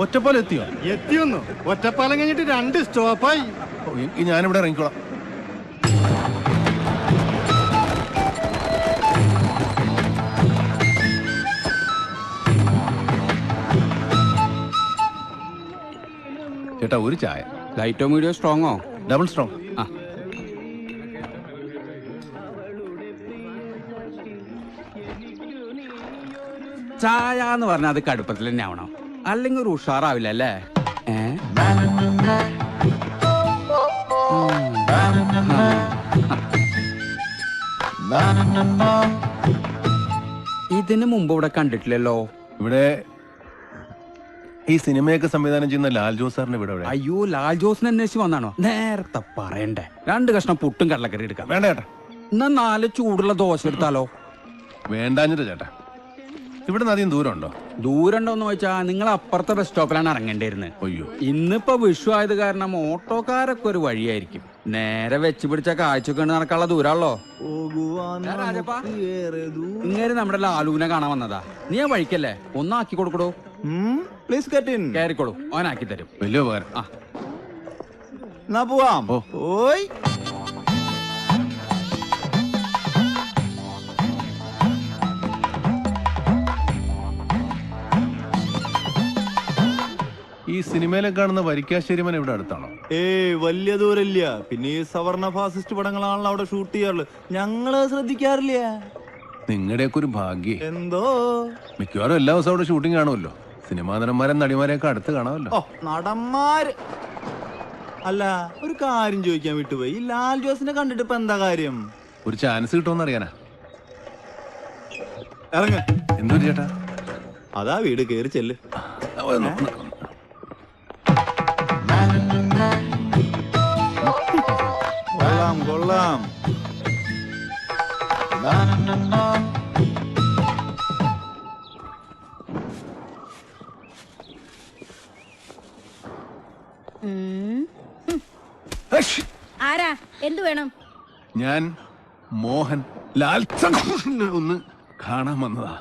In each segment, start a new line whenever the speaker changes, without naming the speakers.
ഒറ്റപ്പാലം എത്തിയോ?
എത്തിയൊന്നു. ഒറ്റപ്പാലം കഴിഞ്ഞിട്ട് 2 സ്റ്റോപ്പായി.
ഞാനിവിടെ ഇറങ്ങിക്കോളാം. ചേട്ടാ ഒരു ചായ.
ലൈറ്റോ മീഡിയോ സ്ട്രോങ്ങോ?
Double strong.
ആ ചായ എന്ന് പറഞ്ഞാൽ അത് കടുപ്പത്തിൽ തന്നെ ആവണം, അല്ലെങ്കിൽ ഒരു ഉഷാറാവില്ല അല്ലേ? ഇതിന് മുമ്പ് ഇവിടെ കണ്ടിട്ടില്ലല്ലോ.
ഇവിടെ ഈ സിനിമയൊക്കെ സംവിധാനം ചെയ്യുന്ന ലാൽ ജോസ് സാറിന് ഇവിടെ.
അയ്യോ, ലാൽ ജോസിനെ അന്വേഷിച്ച് വന്നാണോ? നേരത്തെ പറയണ്ടേ. 2 കഷ്ണം പുട്ടും കടലക്കറി എടുക്കാം.
വേണ്ട ചേട്ടാ.
എന്നാ 4 ചൂടുള്ള ദോശ എടുത്താലോ?
വേണ്ടാഞ്ഞിട്ട് ചേട്ടാ. ഇവിടെ നിന്ന് അധികം ദൂരം ഉണ്ടോ?
ദൂരം ഉണ്ടോന്ന് ചോദിച്ചാ നിങ്ങൾ അപ്പുറത്തെ ബസ് സ്റ്റോപ്പിലാണ് ഇറങ്ങേണ്ടിയിരുന്നത്.
അയ്യോ,
ഇന്നിപ്പോ വിഷു ആയത് കാരണം ഓട്ടോക്കാരൊക്കെ ഒരു വഴിയായിരിക്കും. നേരെ വെച്ച് പിടിച്ച കാഴ്ചക്ക് നടക്കാനുള്ള ദൂരാണല്ലോ. ഇങ്ങനെ നമ്മുടെ ലാലുവിനെ കാണാൻ വന്നതാ. നീ ആ വഴിക്കല്ലേ, ഒന്നാക്കി കൊടുക്കടോ.
Please get in.
കയറിക്കോളൂ, അവനാക്കി തരും.
വലിയ ഉപകാരം.
എന്നാ പോവാം. ഓയ്
ഈ സിനിമയിലെ കാണുന്ന വരിക്കാശ്ശേരി മന ഇവിടെ അടുത്താണോ?
വലിയ ദൂരമില്ല. പിന്നെ ഈ സവർണ ഫാസിസ്റ്റ് പടങ്ങളാണല്ലോ അവിടെ ഷൂട്ട് ചെയ്യാറുള്ളത്. ഞങ്ങള് ശ്രദ്ധിക്കാറില്ല.
നിങ്ങളുടെയൊക്കെ ഒരു ഭാഗ്യം.
എന്തോ
മിക്കവാറും എല്ലാ ദിവസവും അവിടെ ഷൂട്ടിംഗ് കാണുമല്ലോ. സിനിമാ നടന്മാരെ നടിമാരെയൊക്കെ അടുത്ത് കാണാമല്ലോ.
നടന്മാര് അല്ല, ഒരു കാര്യം ചോദിക്കാൻ വിട്ടുപോയി. ഈ ലാൽ ജോസിനെ കണ്ടിട്ട് ഇപ്പൊ എന്താ കാര്യം?
ഒരു ചാൻസ് കിട്ടുമെന്ന് അറിയാനാ.
ഇറങ്ങ.
എന്തൊരു ചേട്ടാ?
അതാ വീട് കേറി ചെല്ല്. കൊള്ളാം കൊള്ളാം.
ആരാ? എന്തു വേണം?
ഞാൻ മോഹൻ ലാൽ ഒന്ന് കാണാൻ വന്നതാ.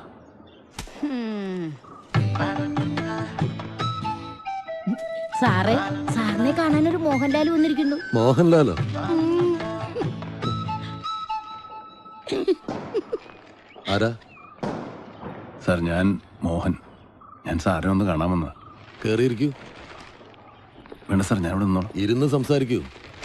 സാറേ, സാറിനെ കാണാൻ ഒരു മോഹൻലാൽ വന്നിരിക്കുന്നു.
മോഹൻലാലോ? ആരാ?
സാർ, ഞാൻ മോഹൻ. ഞാൻ സാറിനെ ഒന്ന് കാണാൻ വന്നതാ.
കേറിയിരിക്കൂ.
വേണ്ട സാർ, ഞാൻ ഇവിടെ നിന്നോളാം.
ഇരുന്ന് സംസാരിക്കൂ.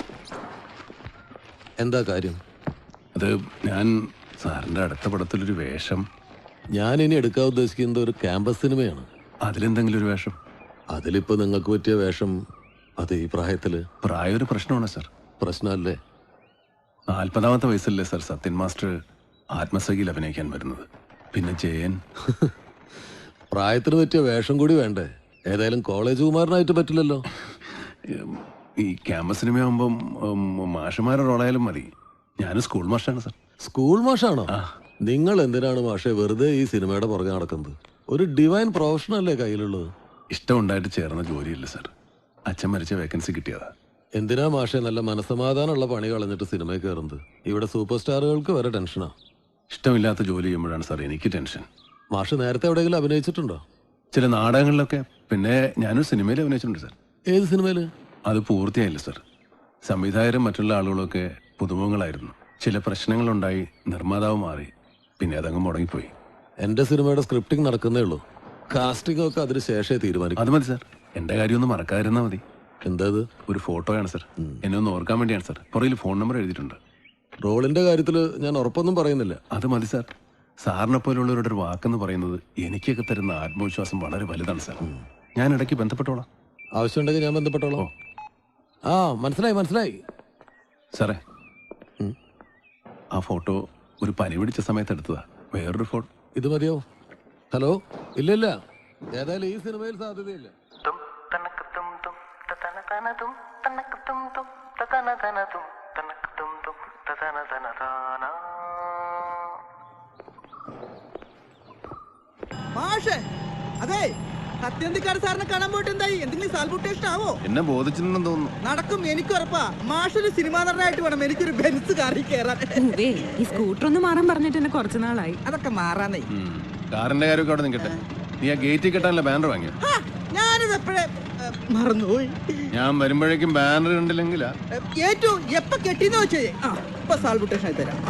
എന്താ കാര്യം?
അത് ഞാൻ സാറിന്റെ അടുത്ത പടത്തിലൊരു വേഷം.
ഞാൻ ഇനി എടുക്കാൻ ഉദ്ദേശിക്കുന്നത് ഒരു ക്യാമ്പസ് സിനിമയാണ്.
അതിലെന്തെങ്കിലും ഒരു വേഷം?
അതിലിപ്പോ നിങ്ങൾക്ക് പറ്റിയ വേഷം അത് ഈ പ്രായത്തില്?
പ്രായം ഒരു പ്രശ്നമാണ് സാർ.
പ്രശ്നമല്ലേ?
40ാമത്തെ വയസ്സല്ലേ സാർ സത്യൻ മാസ്റ്റർ ആത്മസഖിയിൽ അഭിനയിക്കാൻ വരുന്നത്. പിന്നെ ജയൻ.
പ്രായത്തിന് പറ്റിയ വേഷം കൂടി വേണ്ടേ? ഏതായാലും കോളേജ് കുമാരനായിട്ട് പറ്റില്ലല്ലോ.
ഈ ക്യാമ്പസ് സിനിമയാകുമ്പം മാഷന്മാരുടെ റോളായാലും മതി. ഞാൻ സ്കൂൾ മാഷാണ് സാർ.
സ്കൂൾ മാഷാണോ? നിങ്ങൾ എന്തിനാണ് മാഷെ വെറുതെ ഈ സിനിമയുടെ പുറകെ നടക്കുന്നത്? ഒരു ഡിവൈൻ പ്രൊഫഷനല്ലേ കയ്യിലുള്ളത്.
ഇഷ്ടമുണ്ടായിട്ട് ചേർന്ന ജോലിയില്ല സാർ. അച്ഛൻ മരിച്ച വേക്കൻസി കിട്ടിയതാ.
എന്തിനാ മാഷെ നല്ല മനസ്സമാധാനമുള്ള പണി കളഞ്ഞിട്ട് സിനിമയിൽ കയറുന്നത്? ഇവിടെ സൂപ്പർ സ്റ്റാറുകൾക്ക് വരെ ടെൻഷനാ.
ഇഷ്ടമില്ലാത്ത ജോലി ചെയ്യുമ്പോഴാണ് സാർ എനിക്ക് ടെൻഷൻ.
മാഷ് നേരത്തെ എവിടെയെങ്കിലും അഭിനയിച്ചിട്ടുണ്ടോ?
ചില നാടകങ്ങളിലൊക്കെ. പിന്നെ ഞാനൊരു സിനിമയിൽ അഭിനയിച്ചിട്ടുണ്ട് സാർ.
ഏത് സിനിമയില്?
അത് പൂർത്തിയായില്ല സാർ. സംവിധായകരും മറ്റുള്ള ആളുകളൊക്കെ പുതുമുഖങ്ങളായിരുന്നു. ചില പ്രശ്നങ്ങളുണ്ടായി, നിർമ്മാതാവ് മാറി. പിന്നെ അതങ്ങ് മുടങ്ങിപ്പോയി.
എന്റെ സിനിമയുടെ സ്ക്രിപ്റ്റിംഗ് നടക്കുന്നേ ഉള്ളൂ. കാസ്റ്റിംഗ് ഒക്കെ അതിന് ശേഷമേ തീരുമാനിക്കും.
അത് മതി സാർ. എന്റെ കാര്യം ഒന്ന് മറക്കാതിരുന്നാൽ മതി.
എന്താ?
ഒരു ഫോട്ടോയാണ് സാർ. എന്നെ ഒന്ന് ഓർക്കാൻ വേണ്ടിയാണ് സാർ. പുറകിൽ ഫോൺ നമ്പർ എഴുതിയിട്ടുണ്ട്.
റോളിന്റെ കാര്യത്തിൽ ഞാൻ ഉറപ്പൊന്നും പറയുന്നില്ല.
അത് മതി സാർ. സാറിനെ പോലുള്ളവരുടെ ഒരു വാക്കെന്ന് പറയുന്നത് എനിക്കൊക്കെ തരുന്ന ആത്മവിശ്വാസം വളരെ വലുതാണ് സാർ. ഞാൻ ഇടയ്ക്ക് ബന്ധപ്പെട്ടോളാം.
ആവശ്യമുണ്ടെങ്കിൽ ഞാൻ ബന്ധപ്പെട്ടോളാം. ആ, മനസ്സിലായി.
സാറേ, ആ ഫോട്ടോ ഒരു പനി പിടിച്ച സമയത്ത് എടുത്തതാ. വേറൊരു ഫോട്ടോ
ഇത് മതിയോ? ഹലോ? ഇല്ല, ഏതായാലും ഈ സിനിമയിൽ സാധ്യതയില്ല.
അതെ, സത്യന്തിക്കാട് സാറിനെ കാണാൻ പോയിട്ട് എന്തായി? എന്തെങ്കിലും സാൽബുട്ടേഷൻ ആവോ?
എന്നെ ബോധിച്ചിട്ടുണ്ടെന്ന് തോന്നുന്നു.
നടക്കും, എനിക്ക് ഉറപ്പാ. മാഷൊരു സിനിമാ നടനായിട്ട് വേണം എനിക്കൊരു ബെൻസ് കാറിൽ കയറാൻ.
ഈ സ്കൂട്ടർ ഒന്ന് മാറാൻ പറഞ്ഞിട്ട് എന്നെ കുറച്ചു നാളായി.
അതൊക്കെ മാറാനേ.
കാറിന്റെ കാര്യമൊക്കെ അവിടെ നിൽക്കട്ടെ. നീ ആ ഗേറ്റിൽ കെട്ടാനുള്ള ബാനർ വാങ്ങിയോ?
ഞാനൊരു ഞാനത് എപ്പോഴേ മറന്നുപോയി.
ഞാൻ വരുമ്പോഴേക്കും ബാനർ കണ്ടില്ലെങ്കിലാ.
ഏറ്റവും എപ്പ കെട്ടിന്ന് വെച്ചേ ഇപ്പൊ സാൾബുട്ടേഷൻ ആയി തരാം.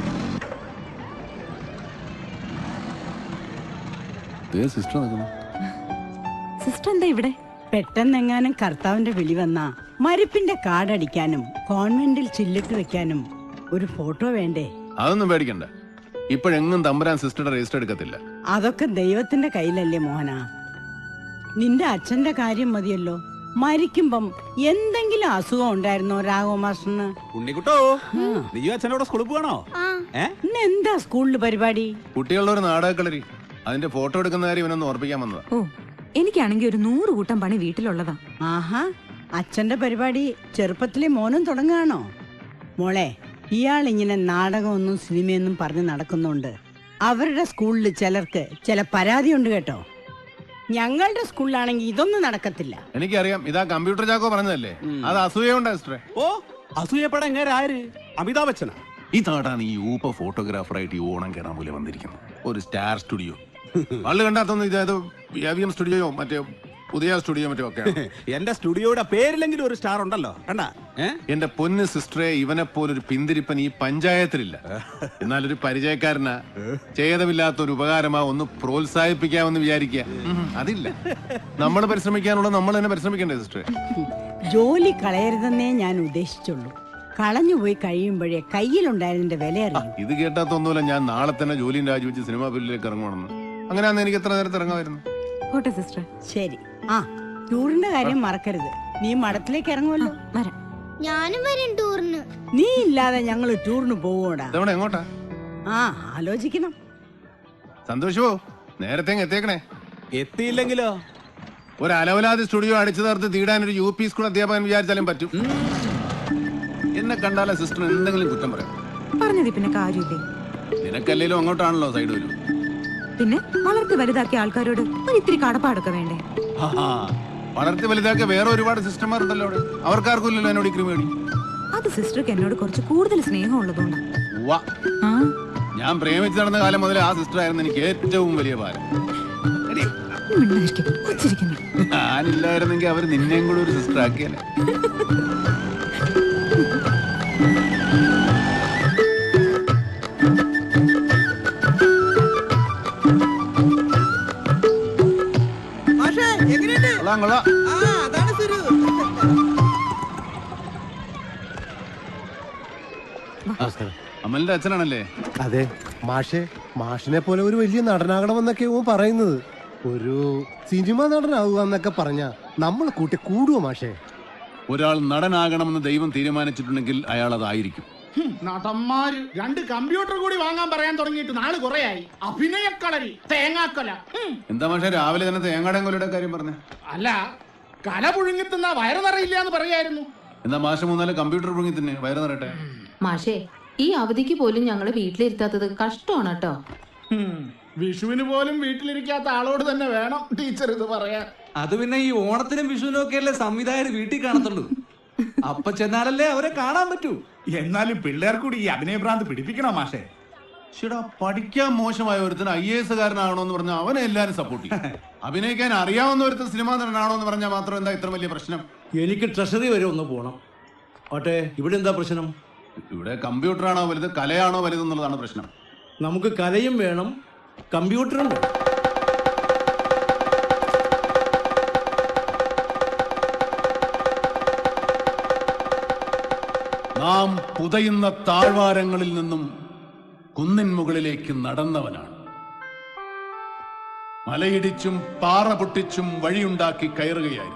സിസ്റ്റർ നിൽക്കുന്നു.
സിസ്റ്റർ എന്താ ഇവിടെ?
പെട്ടെന്നെങ്ങാനും കർത്താവിന്റെ വിളി വന്നാ മരിപ്പിന്റെ കാർഡടിക്കാനും കോൺവെന്റിൽ ചില്ലിട്ട് വെക്കാനും ഒരു ഫോട്ടോ വേണ്ടേ?
അതൊന്നും പേടിക്കണ്ട. ഇപ്പോഴെങ്ങും തമ്പുരാൻ സിസ്റ്ററുടെ രജിസ്റ്റർ എടുക്കത്തില്ല.
അതൊക്കെ ദൈവത്തിന്റെ കയ്യിലല്ലേ മോഹന. നിന്റെ അച്ഛന്റെ കാര്യം മതിയല്ലോ. മരിക്കുമ്പം എന്തെങ്കിലും അസുഖം ഉണ്ടായിരുന്നോ രാഘവ മാസ്റ്ററിന്?
ഉണ്ണിക്കുട്ടോ, നീയോ അച്ഛനോട് സ്കൂളിൽ പോകണോ?
ഇന്ന് എന്താ സ്കൂളിൽ പരിപാടി?
കുട്ടികളുടെ ഒരു നാടകക്കളരി, അതിന്റെ ഫോട്ടോ എടുക്കുന്ന കാര്യം ഇവനൊന്ന് ഓർപ്പിക്കാൻ വന്നതാ.
ഓ, എനിക്കാണെങ്കിൽ ഒരു 100 കൂട്ടം പണി വീട്ടിലുള്ളതാ.
ആഹാ, അച്ഛന്റെ പരിപാടി ചെറുപ്പത്തിലെ മോനും തുടങ്ങുകയാണോ? മോളെ, ഇയാൾ ഇങ്ങനെ നാടകമൊന്നും സിനിമയൊന്നും പറഞ്ഞ് നടക്കുന്നുണ്ട്. അവരുടെ സ്കൂളിൽ ചിലർക്ക് ചില പരാതിയുണ്ട് കേട്ടോ. ഞങ്ങളുടെ സ്കൂളിലാണെങ്കിൽ ഇതൊന്നും നടക്കത്തില്ല.
എനിക്കറിയാം, ഇതാ കമ്പ്യൂട്ടർ ചാക്കോ പറഞ്ഞതല്ലേ. അത് അസൂയുണ്ട് സിസ്റ്ററെ.
ഓ, അസൂയപ്പെടാൻ എങ്ങനെ ആര്? അമിതാഭ് ബച്ചനാ?
ഈ നാടാണ് ഈ ഊപ്പ ഫോട്ടോഗ്രാഫറായിട്ട് ഈ ഓണം കേറാൻ പോലെ വന്നിരിക്കുന്നത്. ഒരു സ്റ്റാർ സ്റ്റുഡിയോ ആള് കണ്ടാത്തൊന്നും ഇതായത് AVM സ്റ്റുഡിയോയോ മറ്റേ പുതിയ സ്റ്റുഡിയോ മറ്റോ ഒക്കെ.
എന്റെ സ്റ്റുഡിയോയുടെ പേരിലെങ്കിലും ഒരു സ്റ്റാർ ഉണ്ടല്ലോ, കണ്ടാ?
എന്റെ പൊന്ന് സിസ്റ്ററെ, ഇവനെ പോലൊരു പിന്തിരിപ്പൻ ഈ പഞ്ചായത്തിലില്ല. എന്നാലൊരു പരിചയക്കാരനാ, ഛേദമില്ലാത്ത ഒരു ഉപകാരമാ, ഒന്ന് പ്രോത്സാഹിപ്പിക്കാമെന്ന് വിചാരിക്കുക. അതില്ല. നമ്മൾ പരിശ്രമിക്കാനുള്ള നമ്മൾ തന്നെ പരിശ്രമിക്കണ്ടേ സിസ്റ്ററെ?
ജോലി കളയരുതെന്നേ ഞാൻ ഉദ്ദേശിച്ചുള്ളൂ. കളഞ്ഞുപോയി കഴിയുമ്പോഴേ കയ്യിലുണ്ടായതിന്റെ വില അറിയും.
ഇത് കേട്ടാത്തൊന്നുമില്ല. ഞാൻ നാളെ തന്നെ ജോലിയും രാജിവെച്ച് സിനിമാ ഫീൽഡിലേക്ക് ഇറങ്ങണമെന്ന്. അങ്ങനെയാന്ന് എനിക്ക് എത്ര നേരത്തെ ഇറങ്ങാമായിരുന്നു.
പോട്ടെ സിസ്റ്റർ.
ശരി. ആ, ടൂറിന്റെ കാര്യം മറക്കരുത്. നീ മഠത്തിലേക്ക് ഇറങ്ങുമല്ലോ.
വരാം.
ഞാനും വരും ടൂറിന്.
നീ ഇല്ലാതെ ഞങ്ങൾ ടൂറിന് പോവൂടാ.
ഇതവിടെ എങ്ങോട്ടാ?
ആ, ആലോചിക്കണം.
സന്തോഷമോ, നേരത്തെ എത്തിയേക്കണേ.
എത്തിയില്ലെങ്കിലോ?
ഒരു അലവലാതി സ്റ്റുഡിയോ അടിച്ചു തീർത്ത് തീടാൻ ഒരു UP സ്കൂൾ അധ്യാപകൻ വിചാരിച്ചാലും പറ്റും. എന്നെ കണ്ടാലേ സിസ്റ്റർ എന്തെങ്കിലും കുറ്റം പറയാം.
പറഞ്ഞത് പിന്നെ കാര്യമില്ലേ?
നിനക്കല്ലേലും അങ്ങോട്ടാണല്ലോ സൈഡ് വരും.
പിന്നെ വളർത്തി വലുതാക്കിയ ആൾക്കാരോട് ഒരു ഇത്തിരി കടപ്പാടൊക്കെ വേണ്ടേ?
വളർത്തി വലുതാക്കിയ വേറെ ഒരുപാട് സിസ്റ്റർമാരുണ്ടല്ലോ അവിടെ. അവർക്കാർക്കും ഇല്ലല്ലോ എന്നോട് ക്രിമേടി.
അത് സിസ്റ്റർക്ക് എന്നോട് കുറച്ച് കൂടുതൽ സ്നേഹം ഉള്ളതുകൊണ്ടാ. ആ,
ഞാൻ പ്രേമിച്ച് നടന്ന കാലം മുതൽ ആ സിസ്റ്റർ ആയിരുന്നു എനിക്ക് ഏറ്റവും വലിയ ഭാരം. ഞാനില്ലായിരുന്നെങ്കിൽ അവർ നിന്നെയും കൂടെ ഒരു സിസ്റ്റർ ആക്കിയല്ലേ.
അതാണ് സുരു.
അമലിന്റെ അച്ഛനാണല്ലേ?
അതെ മാഷെ, മാഷിനെ പോലെ ഒരു വലിയ നടനാകണമെന്നൊക്കെ ഓൻ പറയുന്നത്. ഒരു സിനിമ നടനാവുക എന്നൊക്കെ പറഞ്ഞ നമ്മൾ കൂട്ടി കൂടുവോ മാഷെ?
ഒരാൾ നടനാകണമെന്ന് ദൈവം തീരുമാനിച്ചിട്ടുണ്ടെങ്കിൽ അയാൾ അതായിരിക്കും.
നടന്മാര് 2 കമ്പ്യൂട്ടർ കൂടി വാങ്ങാൻ പറയാൻ തുടങ്ങിയിട്ട് നാള് കുറയായി. അഭിനയക്കളരി, തേങ്ങാക്കൊല.
എന്താ മാഷെ രാവിലെ തന്നെ തേങ്ങാടൻ കൊലയുടെ കാര്യം പറഞ്ഞ?
അല്ല, കല പുഴുങ്ങിത്തുന്ന വയറ് നിറയില്ല എന്ന് പറയായിരുന്നു.
എന്താ മാഷ 3-4 കമ്പ്യൂട്ടർ പുഴുങ്ങി തന്നെ വയറ് നിറയട്ടെ.
മാഷേ, ഈ അവധിക്ക് പോലും ഞങ്ങള് വീട്ടിലിരുത്താത്തത് കഷ്ടമാണ് കേട്ടോ.
വിഷുവിന് പോലും വീട്ടിലിരിക്കാത്ത ആളോട് തന്നെ വേണം ടീച്ചർ ഇത് പറയാൻ.
അത് പിന്നെ ഈ ഓണത്തിനും വിഷുവിനും ഒക്കെ അല്ലേ സംവിധായകർ വീട്ടിൽ കാണത്തുള്ളൂ. അപ്പൊ ചെന്നാലല്ലേ അവരെ കാണാൻ പറ്റൂ.
എന്നാലും പിള്ളേർ കൂടി ഈ അഭിനയഭ്രാന്ത് പിടിപ്പിക്കണം മാഷേ.
ചേട്ടാ, പഠിക്കാൻ മോശമായ ഒരുത്തിന് IAS കാരനാണോന്ന് പറഞ്ഞാൽ അവനെ എല്ലാരും സപ്പോർട്ട് ചെയ്യും. അഭിനയിക്കാൻ അറിയാവുന്ന ഒരുത്തൻ സിനിമാ നടനാണോന്ന് പറഞ്ഞാൽ മാത്രം എന്താ ഇത്ര വലിയ പ്രശ്നം?
എനിക്ക് ട്രഷറി വരെ ഒന്ന് പോണം. ഓട്ടെ, ഇവിടെ എന്താ പ്രശ്നം?
ഇവിടെ കമ്പ്യൂട്ടറാണോ വലുത് കലയാണോ വലുതെന്നുള്ളതാണ് പ്രശ്നം.
നമുക്ക് കലയും വേണം, കമ്പ്യൂട്ടറും വേണം.
നാം പുതയുന്ന താഴ്വാരങ്ങളിൽ നിന്നും കുന്നിൻ മുകളിലേക്ക് നടന്നവനാണ്. മലയിടിച്ചും പാറ പൊട്ടിച്ചും വഴിയുണ്ടാക്കി കയറുകയായിരുന്നു.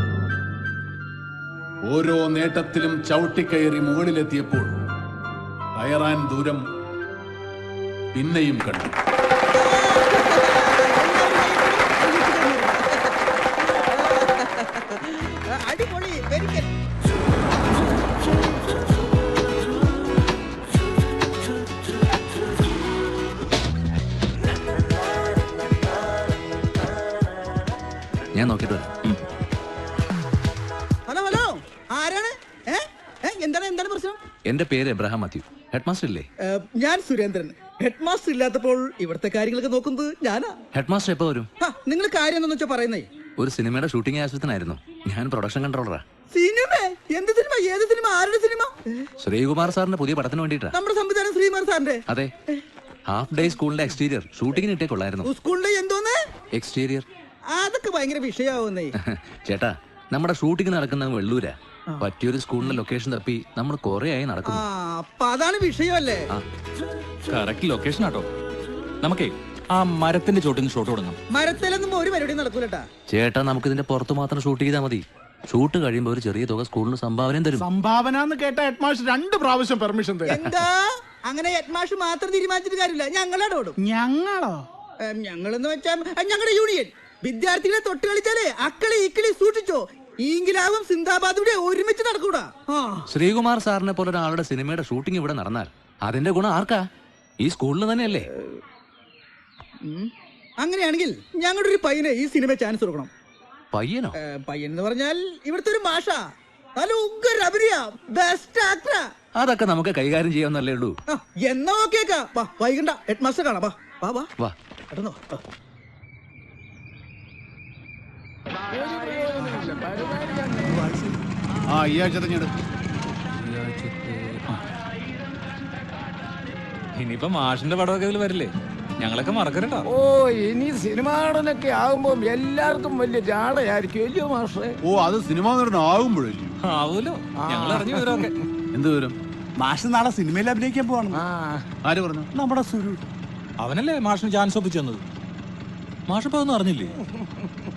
ഓരോ നേട്ടത്തിലും ചവിട്ടിക്കയറി മുകളിലെത്തിയപ്പോൾ കയറാൻ ദൂരം പിന്നെയും കണ്ടു.
അടിപൊളി, വെരി ഗുഡ്.
ഞാൻ നോക്കിട്ട് വരാം.
ഹലോ ഹലോ, ആരാണ്? എന്താണ് എന്താണ് പ്രശ്നം?
എന്റെ പേര് എബ്രഹാം മാത്യു. ഹെഡ് മാസ്റ്റർ ഇല്ലേ?
ഞാൻ സുരേന്ദ്രൻ. ഹെഡ് മാസ്റ്റർ ഇല്ലാത്തപ്പോൾ ഇവിടുത്തെ കാര്യങ്ങളൊക്കെ നോക്കുന്നത് ഞാനാ.
ഹെഡ് മാസ്റ്റർ എപ്പോ വരും?
നിങ്ങൾ കാര്യം എന്താണെന്ന് വെച്ചാൽ പറയുന്നേ.
ഒരു സിനിമയുടെ ഷൂട്ടിംഗ് ആവശ്യത്തിനായിരുന്നു. ഞാൻ പ്രൊഡക്ഷൻ കൺട്രോളറാ.
സിനിമ? എന്ത് സിനിമ? ഏത് സിനിമ? ആരുടെ സിനിമ?
ശ്രീകുമാർ സാറിന്റെ പുതിയ പടത്തിന് വേണ്ടിട്ടാ.
നമ്മുടെ സംവിധാനം ശ്രീകുമാർ സാറിന്റെ?
അതെ. ഹാഫ് ഡേ സ്കൂളിന്റെ എക്സ്റ്റീരിയർ ഷൂട്ടിങ്ങിന് ഇട്ടേ കൊള്ളായിരുന്നു.
സ്കൂളിന്റെ എന്തോന്ന്
എക്സ്റ്റീരിയർ?
അതൊക്കെ ഭയങ്കര വിഷയാവുന്നേ.
ചേട്ടാ, നമ്മുടെ ഷൂട്ടിംഗ് നടക്കുന്ന വെള്ളൂരാ. പറ്റിയൊരു സ്കൂളിന്റെ ലൊക്കേഷൻ തപ്പി നമ്മൾ കൊറേ ആയി നടക്കുന്നു.
അപ്പൊ അതാണ് വിഷയമല്ലേ?
കറക്റ്റ് ലൊക്കേഷൻ ആട്ടോ. നമുക്കേ ആ മരത്തിന്റെ ചോട്ടിന്ന് ഷോട്ട് കൊടുക്കാം.
മരത്തിലൊന്നും ഒരു പരിപാടി നടക്കൂലട്ടാ.
ചേട്ടാ, നമുക്ക് ഇതിന്റെ പുറത്ത് മാത്രം ഷൂട്ട് ചെയ്താൽ മതി. ഷൂട്ട് കഴിയുമ്പോൾ ഒരു ചെറിയ തുക സ്കൂളിന് സംഭാവനയും തരും.
സംഭാവന എന്ന് കേട്ട ഹെഡ് മാസ്റ്റർ 2 പ്രാവശ്യം പെർമിഷൻ തരും.
എന്താ അങ്ങനെ ഹെഡ് മാസ്റ്റർ മാത്രം തീരുമാനിച്ചിട്ട് കാര്യമില്ല, ഞങ്ങളാണ് ഓടും.
ഞങ്ങളോ?
ഞങ്ങളെന്ന് വെച്ചാൽ ഞങ്ങളുടെ യൂണിയൻ. വിദ്യാർത്ഥികളെ തൊട്ട് കളിച്ചാലേ അക്കളി ഇക്കിളി സൂക്ഷിച്ചോ. ഈങ്കിലാവും സിന്ദാബാദൂടെ ഒരുമിച്ച് നടക്കൂടാ.
ശ്രീകുമാർ സാറിനെ പോലെ ഒരാളുടെ സിനിമയുടെ ഷൂട്ടിംഗ് ഇവിടെ നടന്നാൽ അതിന്റെ ഗുണം ആർക്കാ? ഈ സ്കൂളിന് തന്നെയല്ലേ?
അങ്ങനെയാണെങ്കിൽ ഞങ്ങളുടെ ഒരു പയ്യനെ ഈ സിനിമ ചാൻസ് കൊടുക്കണം.
പയ്യനോ?
പയ്യൻ എന്ന് പറഞ്ഞാൽ ഇവിടുത്തെ ഒരു മാഷ, നല്ല ഉഗ്ര അഭിനയ, ബെസ്റ്റ് ആക്ടറാ.
അതൊക്കെ നമുക്ക് കൈകാര്യം ചെയ്യാവുന്നല്ലേ ഉള്ളൂ.
എന്നാ ഓക്കേക്കാ. വൈകണ്ട, ഹെഡ് മാസ്റ്റർ കാണാം. വാ വാ
വാ.
പെട്ടെന്നോ.
ഈ ആഴ്ച
ഇനിയിപ്പോ മാഷിന്റെ പടമൊക്കെ ഇതിൽ വരില്ലേ? ഞങ്ങളൊക്കെ മറക്കരുട്ടോ.
ഓ, ഇനി സിനിമ നടനൊക്കെ ആകുമ്പോ എല്ലാവർക്കും വലിയ ജാടയായിരിക്കും അല്ലയോ മാഷേ?
അത് സിനിമ ആകുമ്പോഴല്ലേ?
ആവൂലോ, ഞങ്ങൾ അറിഞ്ഞു വിവരമൊക്കെ.
എന്ത് വിവരം?
മാഷ് നാളെ സിനിമയിൽ അഭിനയിക്കാൻ പോവാണ്.
ആര് പറഞ്ഞു?
നമ്മുടെ സുരു.
അവനല്ലേ മാഷിന് ചാൻസ് ഒപ്പിച്ചു തന്നത്. മാഷിപ്പോ ഒന്നും അറിഞ്ഞില്ലേ?